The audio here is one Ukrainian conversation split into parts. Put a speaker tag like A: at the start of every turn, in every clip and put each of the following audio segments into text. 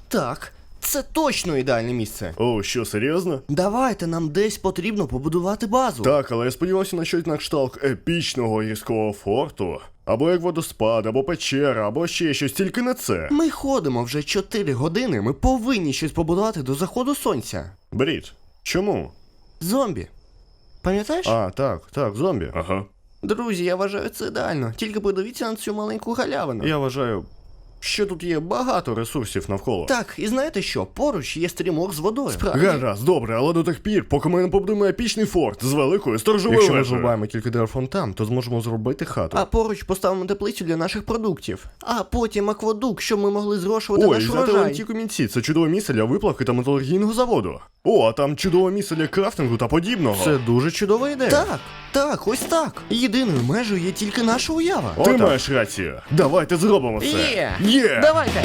A: Так, це точно ідеальне місце.
B: О, що, серйозно?
A: Давайте, нам десь потрібно побудувати базу.
B: Так, але я сподівався на щось на кшталт епічного гірського форту. Або як водоспад, або печера, або ще щось, тільки не це.
A: Ми ходимо вже 4 години, ми повинні щось побудувати до заходу сонця.
B: Брід, чому?
A: Зомбі. Пам'ятаєш?
B: А, так, зомбі. Ага.
A: Друзі, я вважаю це ідеально. Тільки подивіться на цю маленьку галявину.
B: Я вважаю, що тут є багато ресурсів навколо.
A: Так, і знаєте що? Поруч є стрімок з водою. Справді.
B: Гаразд, добре, але до тих пір, поки ми не побудуємо епічний форт з великою сторожовою
A: Якщо ми
B: вежею.
A: зрубаємо
B: кілька дерев фонтан, то зможемо зробити хату.
A: А поруч поставимо теплицю для наших продуктів. А потім аквадук, щоб ми могли зрошувати
B: Ой,
A: наш
B: взяти
A: урожай.
B: ленті камінці, це чудове місце для виплавки та металургійного заводу. О, а там чудове місце для крафтингу та подібного.
A: Це дуже чудова ідея. Так, ось так. Єдиною межею є тільки наша уява.
B: Ти маєш рацію. Давайте зробимо це. Є!
A: Давайте!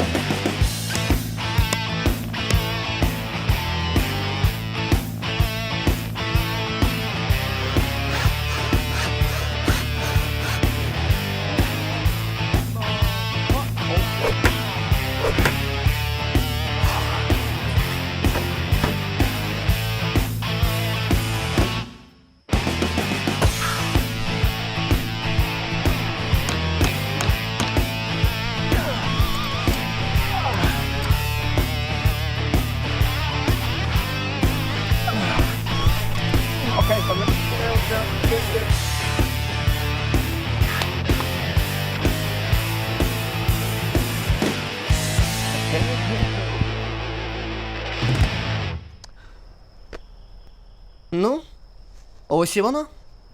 A: Ну, ось і воно.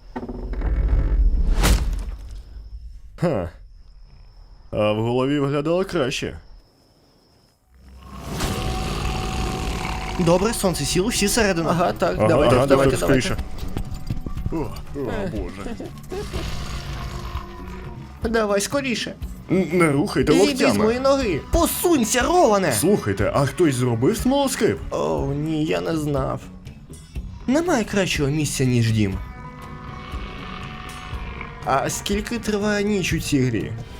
B: Ха. А в голові виглядало краще.
A: Добре, сонце сіло, всі середину. Ага, так,
B: давайте. Скоріше. О, боже.
A: Давай скоріше.
B: Не рухайте
A: Іди з
B: локтями.
A: мої ноги. Посунься, Роване!
B: Слухайте, а хтось зробив смолоскип?
A: О, ні, я не знав. Немає кращого місця, ніж дім. А скільки триває ніч у цій грі?